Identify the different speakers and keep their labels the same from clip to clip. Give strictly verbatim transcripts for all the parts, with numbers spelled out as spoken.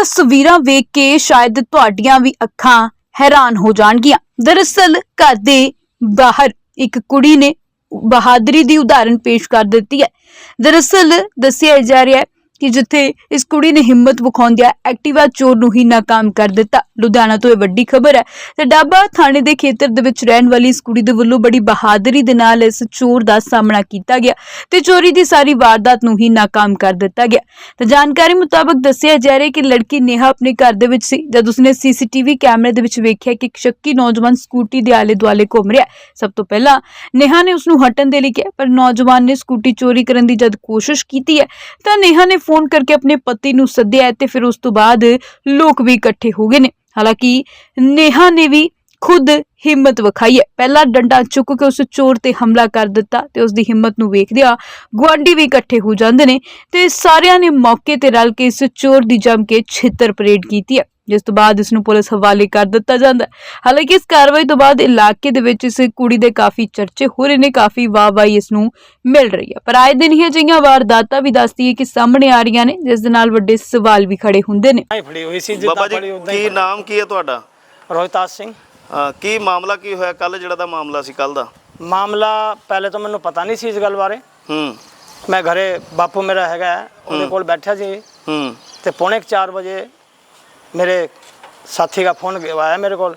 Speaker 1: ਤਸਵੀਰਾਂ ਵੇਖ ਕੇ शायद ਤੁਹਾਡੀਆਂ ਵੀ ਅੱਖਾਂ हैरान हो जाणगियां। दरअसल घर दे बाहर एक कुड़ी ने बहादुरी दी उदाहरण पेश कर दी है। दरअसल दस्सिया जा रहा है कि जिथे इस कुड़ी ने हिम्मत विखाउंदिया एक्टिवा चोर नूं ही नाकाम कर दिता। लुधियाना तो यह वड्डी खबर है ते डाबा थाणे दे खेतर दे विच रहण वाली इस कुड़ी दे वल्लों बड़ी बहादुरी दे नाल इस चोर दा सामना कीता गया ते चोरी दी सारी वारदात नूं ही नाकाम कर दिता गया। ते जानकारी मुताबक दस्सिया जा रहा है कि लड़की नेहा अपने घर दे विच सी जद उसने सीसीटीवी कैमरे दे विच वेखिया कि एक शक्की नौजवान स्कूटी दे आले दुआले घूम रहा है। सब तो पहला नेहा ने उसनूं हटण दे लई कहा पर नौजवान ने स्कूटी चोरी करन दी जद कोशिश कीती है तां नेहा ने फोन करके अपने पति नूं सद्दिया ते फिर उस तो बाद लोग भी इकट्ठे हो गए ने। हालांकि नेहा ने भी खुद हिम्मत विखाई है, पहला डंडा चुक के उस चोर ते हमला कर दिता ते उसदी हिम्मत नूं वेखदिया गुआंढी भी इकट्ठे हो जांदे ने ते सारियां ने मौके ते रल के इस चोर दी जम के छित्तर परेड कीती है, जिस तो बाद इसनूं पुलिस हवाले कर दिता जांदा है। हालांकि इस कार्रवाई तो बाद इलाके दे विच इस कुड़ी दे काफी चर्चे हो रहे ने, काफी वाहवाही इसनूं मिल रही है। पर आए दिन ही अजिहियां वारदातां भी दसदी है कि सामने आ रहीआं ने जिस दे नाल वड्डे सवाल भी खड़े हुंदे ने।
Speaker 2: फड़ी हुई सी जिद्दां फड़ी उदां ही।
Speaker 3: की नाम की है तुहाडा?
Speaker 2: रोहिताज सिंह।
Speaker 3: की मामला की होया कल जिहड़ा दा मामला सी कल दा?
Speaker 2: मामला पहले तो मैनूं पता नहीं सी इस गल बारे।
Speaker 3: हूं
Speaker 2: मैं घरे बापू मेरा हैगा उहदे कोल बैठा सी
Speaker 3: हूं
Speaker 2: ते पौने चार बजे मेरे साथी का फोन आया मेरे को,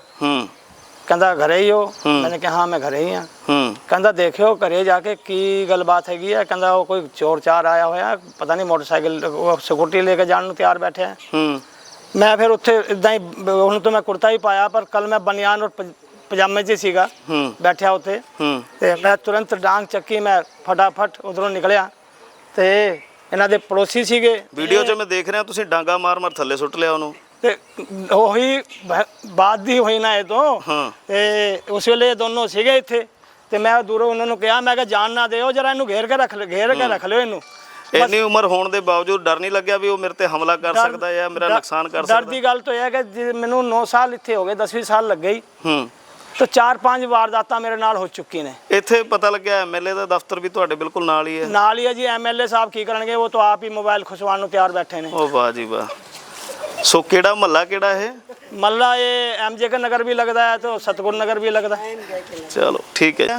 Speaker 2: कहता घरे ही हो? मैंने कहा हाँ मैं घरे ही हाँ। कहता देखियो घरे जाके की गलबात हैगी है, कहता वो कोई चोर चार आया होया पता नहीं मोटरसाइकिल स्कूटी लेके जाने नूं तैयार बैठे हैं। मैं फिर उत्थे इदां ही हुण तो मैं कुर्ता ही पाया पर कल मैं बनियान और पजामे च सीगा बैठा उत्थे ते मैं तुरंत डांग चक्की मैं फटाफट उधरों निकलिया ते इन्हां दे पड़ोसी सीगे।
Speaker 3: वीडियो च मैं देख रहा तुसीं डांगा मार मार थल्ले सुੱਟ लिया ਉਹਨੂੰ
Speaker 2: ਤੇ ਉਹੀ ਬਾਤ ਦੀ ਹੋਈ ਨਾ ਇਹ ਤੋਂ ਤੇ ਉਸ ਵੇਲੇ ਇਹ ਦੋਨੋਂ ਸੀਗੇ ਇੱਥੇ ਤੇ ਮੈਂ ਦੂਰੋਂ ਉਹਨਾਂ ਨੂੰ ਕਿਹਾ ਮੈਂ ਕਿਹਾ ਜਾਨ ਨਾ ਦਿਓ ਜਰਾ ਇਹਨੂੰ ਘੇਰ ਕੇ ਰੱਖ ਘੇਰ ਕੇ ਰੱਖ ਲਿਓ ਇਹਨੂੰ।
Speaker 3: ਇੰਨੀ ਉਮਰ ਹੋਣ ਦੇ ਬਾਵਜੂਦ ਡਰ ਨਹੀਂ ਲੱਗਿਆ ਵੀ ਉਹ ਮੇਰੇ ਤੇ ਹਮਲਾ ਕਰ ਸਕਦਾ ਹੈ ਮੇਰਾ ਨੁਕਸਾਨ ਕਰ ਸਕਦਾ?
Speaker 2: ਡਰ ਦੀ ਗੱਲ ਤਾਂ ਇਹ ਹੈ ਕਿ ਮੈਨੂੰ ਨੌ ਸਾਲ ਇੱਥੇ ਹੋ ਗਏ, ਦਸਵੀਂ ਸਾਲ ਲੱਗ ਗਈ ਹੂੰ तो चार पांच वारदातां मेरे नाल हो चुकी ने।
Speaker 3: ਇੱਥੇ ਪਤਾ ਲੱਗਿਆ ਐਮਐਲਏ ਦਾ ਦਫ਼ਤਰ ਵੀ ਤੁਹਾਡੇ ਬਿਲਕੁਲ ਨਾਲ ਹੀ ਹੈ?
Speaker 2: ਨਾਲ ਹੀ ਹੈ ਜੀ। ਐਮਐਲਏ ਸਾਹਿਬ ਕੀ ਕਰਨਗੇ, ਉਹ ਤਾਂ ਆਪ ਹੀ ਮੋਬਾਈਲ ਖੁਸ਼ਵਾਉਣ ਨੂੰ ਤਿਆਰ ਬੈਠੇ ਨੇ।
Speaker 3: ਉਹ ਵਾਹ ਜੀ ਵਾਹ। ਸੋ ਕਿਹੜਾ ਮਹੱਲਾ ਕਿਹੜਾ ਇਹ?
Speaker 2: ਮਹੱਲਾ ਇਹ ਐਮਜੇ ਕੇ ਨਗਰ ਵੀ ਲੱਗਦਾ ਹੈ ਤੇ ਸਤਗੁਰ ਨਗਰ ਵੀ ਲੱਗਦਾ ਹੈ।
Speaker 3: ਚਲੋ ਠੀਕ ਹੈ।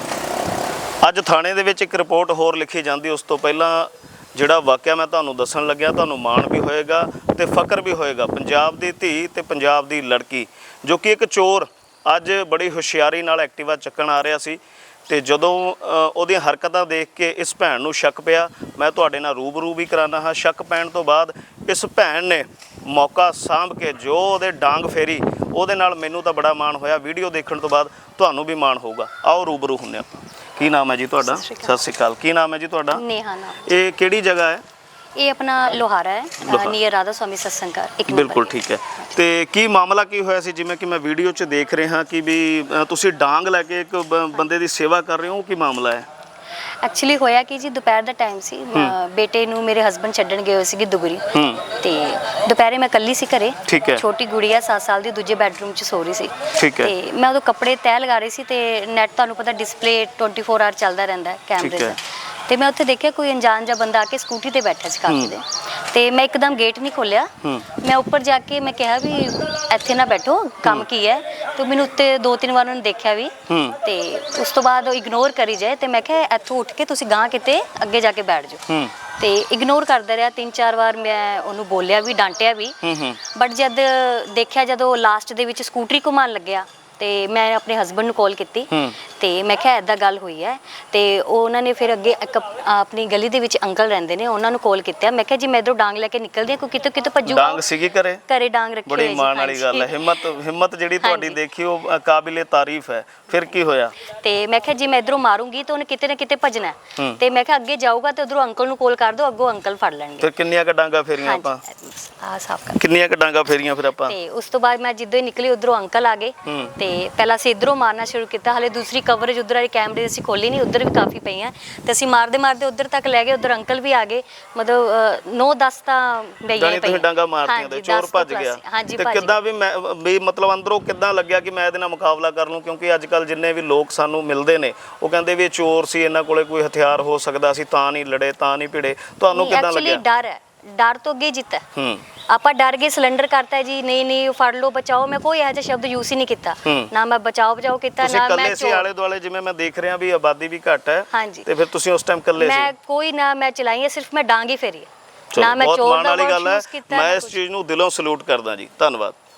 Speaker 3: ਅੱਜ ਥਾਣੇ ਦੇ ਵਿੱਚ ਇੱਕ ਰਿਪੋਰਟ ਹੋਰ ਲਿਖੀ ਜਾਂਦੀ, ਉਸ ਤੋਂ ਪਹਿਲਾਂ ਜਿਹੜਾ ਵਾਕਿਆ ਮੈਂ ਤੁਹਾਨੂੰ ਦੱਸਣ ਲੱਗਿਆ ਤੁਹਾਨੂੰ ਮਾਣ ਵੀ ਹੋਏਗਾ ਤੇ ਫਖਰ ਵੀ ਹੋਏਗਾ। ਪੰਜਾਬ ਦੀ ਧੀ ਤੇ ਪੰਜਾਬ ਦੀ ਲੜਕੀ ਜੋ ਕਿ ਇੱਕ ਚੋਰ ਅੱਜ ਬੜੀ ਹੁਸ਼ਿਆਰੀ ਨਾਲ ਐਕਟਿਵਾ ਚੱਕਣ ਆ ਰਿਹਾ ਸੀ ਤੇ ਜਦੋਂ ਉਹਦੀਆਂ ਹਰਕਤਾਂ ਦੇਖ ਕੇ ਇਸ ਭੈਣ ਨੂੰ ਸ਼ੱਕ ਪਿਆ। ਮੈਂ ਤੁਹਾਡੇ ਨਾਲ ਰੂਬਰੂ ਵੀ ਕਰਾਨਾ ਹਾਂ। ਸ਼ੱਕ ਪੈਣ ਤੋਂ ਬਾਅਦ ਇਸ ਭੈਣ ਨੇ ਮੌਕਾ ਸਾਂਭ ਕੇ ਜੋ ਉਹਦੇ ਡਾਂਗ ਫੇਰੀ ਉਹਦੇ ਨਾਲ ਮੈਨੂੰ ਤਾਂ ਬੜਾ ਮਾਣ ਹੋਇਆ। ਵੀਡੀਓ ਦੇਖਣ ਤੋਂ ਬਾਅਦ ਤੁਹਾਨੂੰ ਵੀ ਮਾਣ ਹੋਊਗਾ। ਆਓ ਰੂਬਰੂ ਹੁੰਦੇ ਆਪਾਂ। ਕੀ ਨਾਮ ਹੈ ਜੀ ਤੁਹਾਡਾ? ਸਤਿ ਸ਼੍ਰੀ ਅਕਾਲ। ਕੀ ਨਾਮ ਹੈ ਜੀ ਤੁਹਾਡਾ?
Speaker 4: नेहा नाम।
Speaker 3: ਇਹ ਕਿਹੜੀ ਜਗ੍ਹਾ ਹੈ?
Speaker 4: ये अपना लोहारा है नियर राधा स्वामी सत्संग का एक
Speaker 3: बिल्कुल ठीक है। तो की मामला की होया सी जिवें कि मैं वीडियो च देख रहे हाँ कि भी तुसी डांग लैके एक बंदे दी सेवा कर रहे हो, की मामला है?
Speaker 4: एक्चुअली होया कि जी दोपहर ਦਾ ਟਾਈਮ ਸੀ, ਬੇਟੇ ਨੂੰ ਮੇਰੇ ਹਸਬੰਡ ਛੱਡਣ ਗਏ ਹੋਏ ਸੀਗੇ ਦੁਗਰੀ ਤੇ ਦੁਪਹਿਰੇ ਮੈਂ ਇਕੱਲੀ ਸੀ ਘਰੇ। ਛੋਟੀ ਗੁੜੀਆ ਸੱਤ ਸਾਲ ਦੀ ਦੂਜੇ ਬੈਡਰੂਮ 'ਚ ਸੋ ਰਹੀ ਸੀ ਤੇ ਮੈਂ ਉਦੋਂ ਕੱਪੜੇ ਤੈਅ ਲਗਾ ਰਹੀ ਸੀ ਤੇ ਨੈਟ ਤੁਹਾਨੂੰ ਪਤਾ ਡਿਸਪਲੇ ਟਵੈਂਟੀ ਫੋਰ ਆਵਰ ਚੱਲਦਾ ਰਹਿੰਦਾ ਕੈਮਰੇ ਦਾ ਤੇ ਮੈਂ ਉੱਥੇ ਦੇਖਿਆ ਕੋਈ ਅਣਜਾਣ ਜਿਹਾ ਬੰਦਾ ਆ ਕੇ ਸਕੂਟੀ ਤੇ ਬੈਠਾ ਸੀ ਕਾਕੇ ਦੇ ਤੇ ਮੈਂ ਇੱਕਦਮ ਗੇਟ ਨਹੀਂ ਖੋਲਿਆ। ਮੈਂ ਉੱਪਰ ਜਾ ਕੇ ਮੈਂ ਕਿਹਾ ਵੀ ਇੱਥੇ ਨਾ ਬੈਠੋ, ਕੰਮ ਕੀ ਹੈ? ਤੇ ਮੈਨੂੰ ਉੱਤੇ ਦੋ ਤਿੰਨ ਵਾਰ ਉਹਨੇ ਦੇਖਿਆ ਵੀ ਤੇ ਉਸ ਤੋਂ ਬਾਅਦ ਉਹ ਇਗਨੋਰ ਕਰੀ ਜਾਏ ਤੇ ਮੈਂ ਕਿਹਾ ਇੱਥੋਂ ਉੱਠ ਕੇ ਤੁਸੀਂ ਗਾਂ ਕਿਤੇ ਅੱਗੇ ਜਾ ਕੇ ਬੈਠ ਜਾਓ ਤੇ ਇਗਨੋਰ ਕਰਦਾ ਰਿਹਾ। ਤਿੰਨ ਚਾਰ ਵਾਰ ਮੈਂ ਉਹਨੂੰ ਬੋਲਿਆ ਵੀ, ਡਾਂਟਿਆ ਵੀ, ਬਟ ਜਦ ਦੇਖਿਆ ਜਦੋਂ ਲਾਸਟ ਦੇ ਵਿੱਚ ਸਕੂਟਰੀ ਘੁਮਾਉਣ ਲੱਗਿਆ ਤੇ ਮੈਂ ਆਪਣੇ ਹਸਬੰਡ ਨੂੰ ਕਾਲ ਕੀਤੀ ਤੇ ਮੈਂ ਕਿਹਾ ਇੱਦਾਂ ਗੱਲ ਹੋਈ ਹੈ ਤੇ ਉਹ ਉਹਨਾਂ ਨੇ ਫਿਰ ਅੱਗੇ ਆਪਣੀ ਗਲੀ ਦੇ ਵਿੱਚ ਅੰਕਲ ਰਹਿੰਦੇ ਨੇ ਉਹਨਾਂ ਨੂੰ ਕਾਲ ਕੀਤਾ। ਮੈਂ ਕਿਹਾ ਜੀ ਮੈਂ ਇੱਧਰੋਂ ਡਾਂਗ ਲੈ ਕੇ ਨਿਕਲਦੀ ਹਾਂ ਕੋਈ ਕਿਤੇ ਕਿਤੇ ਭੱਜੂਗਾ।
Speaker 3: ਡਾਂਗ ਸੀਗੀ ਘਰੇ? ਘਰੇ
Speaker 4: ਡਾਂਗ ਰੱਖੀ ਹੋਈ
Speaker 3: ਸੀ। ਬੜੀ ਮਾਣ ਵਾਲੀ ਗੱਲ ਹੈ। ਹਿੰਮਤ ਹਿੰਮਤ ਜਿਹੜੀ ਤੁਹਾਡੀ ਦੇਖੀ ਉਹ ਕਾਬਿਲੇ ਤਾਰੀਫ ਹੈ। ਫਿਰ ਕੀ ਹੋਇਆ? ਤੇ ਮੈਂ ਕਿਹਾ ਜੀ ਮੈਂ ਇੱਧਰੋਂ ਮਾਰੂੰਗੀ ਤਾਂ ਉਹਨੇ ਕਿਤੇ ਨਾ ਕਿਤੇ ਭੱਜਣਾ ਤੇ ਮੈਂ ਕਿਹਾ ਅੱਗੇ ਜਾਊਗਾ ਤੇ ਉਧਰੋਂ ਅੰਕਲ ਨੂੰ ਕਾਲ ਕਰ ਦਿਓ, ਅੱਗੋਂ ਅੰਕਲ ਫੜ ਲੈਣਗੇ। ਫਿਰ ਕਿੰਨੀਆਂ ਕ ਡਾਂਗਾ ਫੇਰੀਆਂ ਆਪਾਂ?
Speaker 4: ਆ ਸਾਫ ਕਰ
Speaker 3: ਕਿੰਨੀਆਂ ਕ ਡਾਂਗਾ ਫੇਰੀਆਂ ਫਿਰ ਆਪਾਂ?
Speaker 4: ਤੇ ਉਸ ਤੋਂ ਬਾਅਦ ਮੈਂ ਜਿੱਦੋਂ ਹੀ ਨਿਕਲੀ ਉਧਰੋਂ ਅੰਕਲ ਆ ਗਏ ਤੇ ਪਹਿਲਾਂ ਅਸੀਂ ਇੱਧਰੋਂ ਮਾਰਨਾ ਸ਼ੁਰੂ ਕੀਤਾ। ਹਲੇ ਦੂਸਰੀ ਕਵਰੇਜ ਉਧਰ ਵਾਲੀ ਕੈਮਰੇ ਅਸੀਂ ਖੋਲੀ ਨਹੀਂ, ਉਧਰ ਵੀ ਕਾਫੀ ਪਈਆਂ ਤੇ ਅਸੀਂ ਮਾਰਦੇ ਮਾਰਦੇ ਉਧਰ ਤੱਕ ਲੈ ਗਏ। ਉਧਰ ਅੰਕਲ ਵੀ ਆ ਗਏ, ਮਤਲਬ ਨੌ ਦਸ ਤਾਂ ਬਈਆਂ ਪਈਆਂ।
Speaker 3: ਡਾਂਗਾ ਮਾਰਤੀਆਂ ਤੇ ਚੋਰ ਭੱਜ ਗਿਆ ਤੇ ਕਿੱਦਾਂ ਵੀ ਮੈਂ ਵੀ ਮਤਲਬ ਅੰਦਰੋਂ ਕਿੱਦਾਂ ਲੱਗਿਆ ਕਿ ਮੈਂ ਇਹਦੇ ਨਾਲ ਮੁਕਾਬਲਾ ਕਰ ਲੂੰ? ਕਿਉਂਕਿ ਅੱਜ ਕੱਲ ਜਿੰਨੇ ਵੀ ਲੋਕ ਸਾਨੂੰ ਮਿਲਦੇ ਨੇ ਉਹ ਕਹਿੰਦੇ ਵੀ ਇਹ ਚੋਰ ਸੀ, ਇਹਨਾਂ ਕੋਲੇ ਕੋਈ ਹਥਿਆਰ ਹੋ ਸਕਦਾ ਸੀ ਤਾਂ ਨਹੀਂ ਲੜੇ, ਤਾਂ ਨਹੀਂ ਭਿੜੇ। ਤੁਹਾਨੂੰ ਕਿੱਦਾਂ ਲੱਗਿਆ?
Speaker 4: ਡਰ ਹੈ ਡਰ ਤੋਂ ਅੱਗੇ ਜਿੱਤਾ ਹੈ।
Speaker 3: ਹੂੰ
Speaker 4: ਆਪਾਂ ਡਰ ਗਏ, ਸਿਲੰਡਰ ਕਰਤਾ ਜੀ, ਨਹੀਂ ਨਹੀਂ ਫੜ ਲਓ ਬਚਾਓ, ਮੈਂ ਕੋਈ ਇਹੋ ਜਿਹਾ ਸ਼ਬਦ ਯੂਜ਼ ਹੀ ਨਹੀਂ ਕੀਤਾ,
Speaker 3: ਹੂੰ।
Speaker 4: ਨਾ ਮੈਂ ਬਚਾਓ ਬਚਾਓ ਕੀਤਾ,
Speaker 3: ਤੁਸੀਂ
Speaker 4: ਨਾ ਮੈਂ
Speaker 3: ਇਕੱਲੇ ਸੀ
Speaker 4: ਚੋਰ-
Speaker 3: ਆਲੇ ਦੁਆਲੇ, ਜਿਵੇਂ ਮੈਂ ਦੇਖ ਰਿਹਾ ਵੀ ਆਬਾਦੀ ਵੀ ਘੱਟ ਹੈ,
Speaker 4: ਹਾਂਜੀ।
Speaker 3: ਤੇ ਫਿਰ ਤੁਸੀਂ ਉਸ ਟਾਈਮ ਇਕੱਲੇ ਸੀ?
Speaker 4: ਮੈਂ ਕੋਈ ਨਾ ਮੈਂ ਚਲਾਈ ਹੈ, ਸਿਰਫ ਮੈਂ ਡਾਂਗ ਹੀ ਫੇਰੀ ਹੈ,
Speaker 3: ਚਲੋ,
Speaker 4: ਨਾ ਮੈਂ
Speaker 3: ਬਹੁਤ
Speaker 4: ਚੋਰ
Speaker 3: ਮਾਣ
Speaker 4: ਦਾ
Speaker 3: ਵਾਲੀ
Speaker 4: word
Speaker 3: ਗੱਲ ਹੈ।
Speaker 4: use ਕੀਤਾ,
Speaker 3: ਮੈਂ
Speaker 4: ਨਾ
Speaker 3: ਇਸ
Speaker 4: ਕੁਛ।
Speaker 3: ਚੀਜ਼ ਨੂੰ ਦਿਲੋਂ ਸਲੂਟ ਕਰਦਾ ਜੀ, ਧੰਨਵਾਦ।